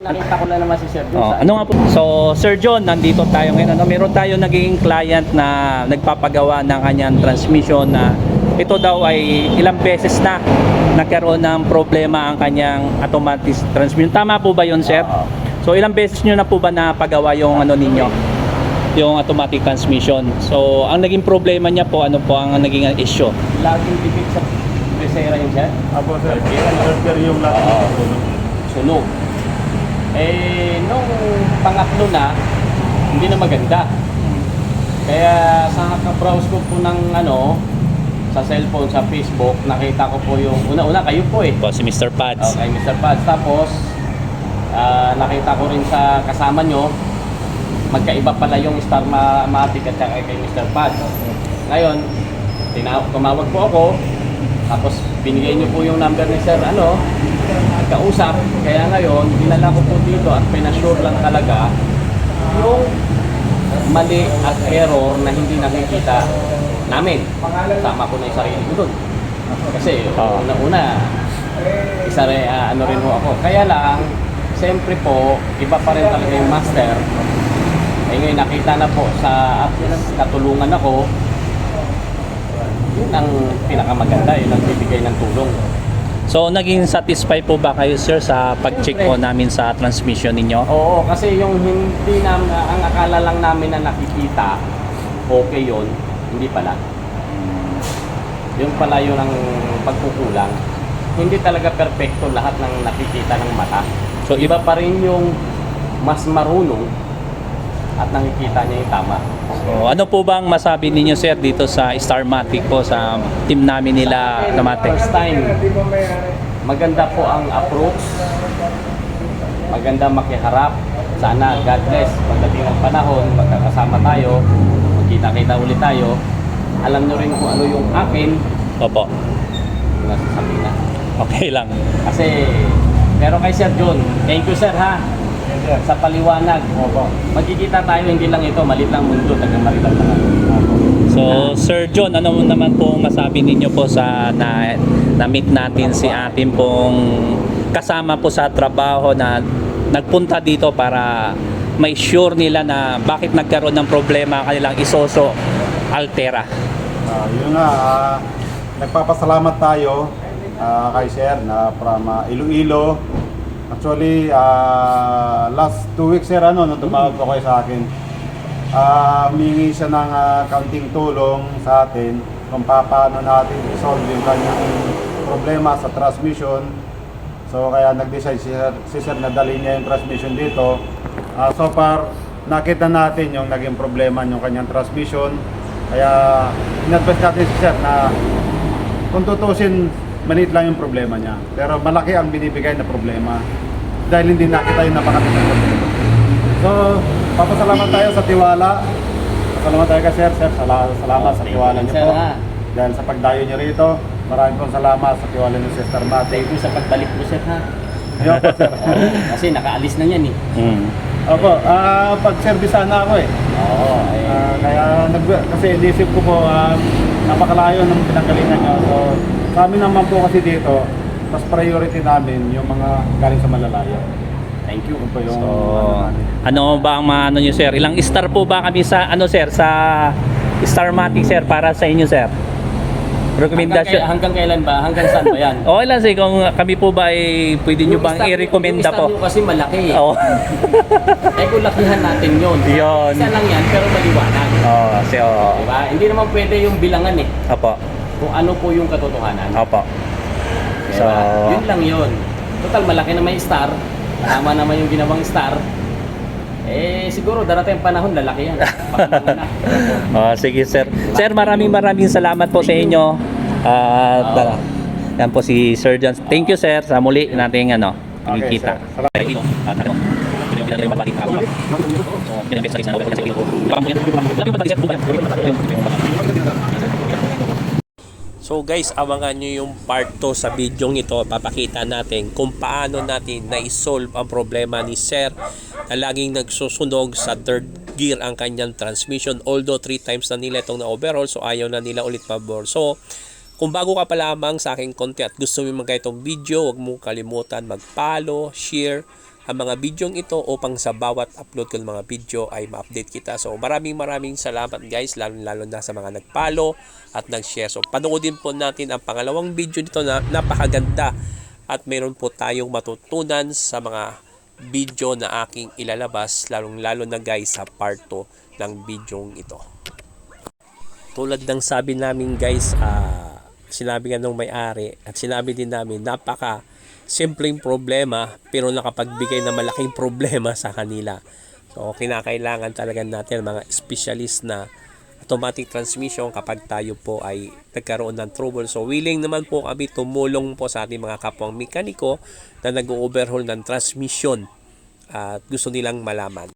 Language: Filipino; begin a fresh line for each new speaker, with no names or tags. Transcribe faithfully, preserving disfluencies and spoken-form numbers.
Nakita ko lang naman si Sir John.
Oh, ano nga po? So, Sir John, nandito tayo ngayon. Ano, meron tayo naging client na nagpapagawa ng kanyang transmission na ito daw ay ilang beses na nagkaroon ng problema ang kanyang automatic transmission. Tama po ba yun, sir? So, ilang beses nyo na po ba napagawa yung ano ninyo? Yung automatic transmission. So, ang naging problema niya po, ano po ang naging issue?
Laging dikit sa presera yun, Sir.
Apo sir, sir yung lahat
Oo.
ng sunog.
Sunog. Eh, nung pangatlo na, hindi na maganda. Kaya sa kaka-browse ko po ng ano, sa cellphone, sa Facebook, nakita ko po yung, una-una kayo po eh.
Po, si Mister Pads.
Okay, Mister Pads. Tapos, ah, nakita ko rin sa kasama nyo, magkaiba pala yung Starmatic at saka kay Mister Pads. Ngayon, tina- tumawag po ako, tapos binigay nyo po yung number ni Sir, ano, kausap. Kaya ngayon, dinala ko po dito at pinasure lang talaga yung mali at error na hindi nakikita namin. Sama ko na yung sarili ko doon. Kasi
Oo.
una-una, isa rin, ah, ano rin ho ako. Kaya lang, siyempre po, iba pa rin talaga yung master. Eh ngayon, nakita na po sa at least katulungan ako, yun ang pinakamaganda, yun ang bibigay ng tulong.
So, naging satisfy po ba kayo, sir, sa pag-check po namin sa transmission ninyo?
Oo, kasi yung hindi na, ang akala lang namin na nakikita, okay yun, hindi pala. Yung pala yun ang pagkukulang. Hindi talaga perfecto lahat ng nakikita ng mata.
So,
So, iba pa rin yung mas marunong at nakikita niya yung tama.
So, ano po bang masabi ninyo, sir, dito sa Starmatic po, sa team namin nila Automatic?
First time, maganda po ang approach, maganda makiharap. Sana, God bless, pagdating ng panahon, magkakasama tayo, magkita-kita ulit tayo, alam nyo rin kung ano yung akin,
Opo.
yung nasasabi na.
Okay lang.
Kasi, pero kay Sir John, thank you sir ha, sa paliwanag.
Opo.
Magkikita tayo, hindi lang ito, malit lang mundo, taga Marital na lang.
So, Sir John, ano naman po masabi ninyo po sa na, na-meet natin si atin pong kasama po sa trabaho na nagpunta dito para may sure nila na bakit nagkaroon ng problema ang kanilang Isuzu Altera.
Ah, yun nga, ah, nagpapasalamat tayo ah, kay sir na from ah, Iloilo. Actually, ah, last two weeks sir, ano, nung tumawag po kayo sa akin, ah, humingi siya ng ah, kaunting tulong sa atin kung paano natin i-solve yung kanyang problema sa transmission. So kaya nag-decide si sir, si sir na dalhin niya yung transmission dito. Ah, so far, nakita natin yung naging problema yung kanyang transmission. Kaya in-advise natin si sir na kung tutusin, maliit lang yung problema niya. Pero malaki ang binibigay na problema dahil hindi nakita yung napakatid. So, papasalamat tayo sa tiwala. Pasalamat tayo kay sir. Sir, sala- salamat sa tiwala niyo
Sir,
po.
ha?
Dahil sa pagdayo niyo rito, maraming pong salamat sa tiwala niyo sa Starmatic.
Thank you sa pagbalik mo sir ha.
Yun po sir.
Kasi nakaalis na yan eh.
Mm.
Opo, ah pag-servisan na ako eh.
Oo, eh.
Ah, kaya nag kasi inisip ko po ah, napakalayo ng pinanggalingan niyo. So, sa amin naman po kasi dito, mas priority namin yung mga galing sa malalayo.
Thank you.
Yun po yung
So,
ano namin.
ano ba ang mga ano nyo, sir? Ilang star po ba kami sa, ano, sir, sa Starmatic, sir, para sa inyo, sir?
Hanggang,
Rekomendasyon.
kay- hanggang kailan ba? Hanggang saan ba yan?
Okay lang, sir, kung kami po ba ay pwede nyo
Yung
bang
star-
i-recommenda
yung
po?
star nyo kasi malaki eh.
Oo.
Eh kung lakihan natin yun.
Yun.
Isa lang yan pero maliwanag.
Oo, sir, oo.
Diba? Hindi naman pwede yung bilangan eh.
Opo.
Kung ano po yung katotohanan.
Opo.
Diba?
So-
Yun lang yun. Total malaki na may star. Tama naman yung ginawang star. Eh siguro darating ang panahon lalaki yan. Pagkaman na.
Oh, sige, sir. Sir, maraming maraming salamat po sa inyo. At
Oo.
uh, yan po si Sir John. Thank you, sir, sa muli nating ano,
Okay,
pagkikita.
sir.
So guys, abangan nyo yung part two sa video ito. Papakita natin kung paano natin na-solve ang problema ni Sir na laging nagsusunog sa third gear ang kanyang transmission. Although three times na nila itong na-overhaul, so ayaw na nila ulit pabor. So, kung bago ka pa lamang sa aking content at gusto mo mag-gaya itong video, huwag mong kalimutan mag-follow, share, ang mga bidyong ito upang sa bawat upload ko ng mga video ay ma-update kita. So maraming maraming salamat guys, lalo lalo na sa mga nag-follow at nag-share. So panoodin po natin ang pangalawang video nito na napakaganda at meron po tayong matutunan sa mga video na aking ilalabas, lalong lalo na guys sa part two ng bidyong ito. Tulad ng sabi namin guys, uh, sinabi nga nung may-ari at sinabi din namin, napaka simpleng problema pero nakapagbigay ng malaking problema sa kanila. So kinakailangan talaga natin mga specialist na automatic transmission kapag tayo po ay nagkaroon ng trouble. So willing naman po kami tumulong po sa ating mga kapwang mekaniko na nag-overhaul ng transmission at gusto nilang malaman.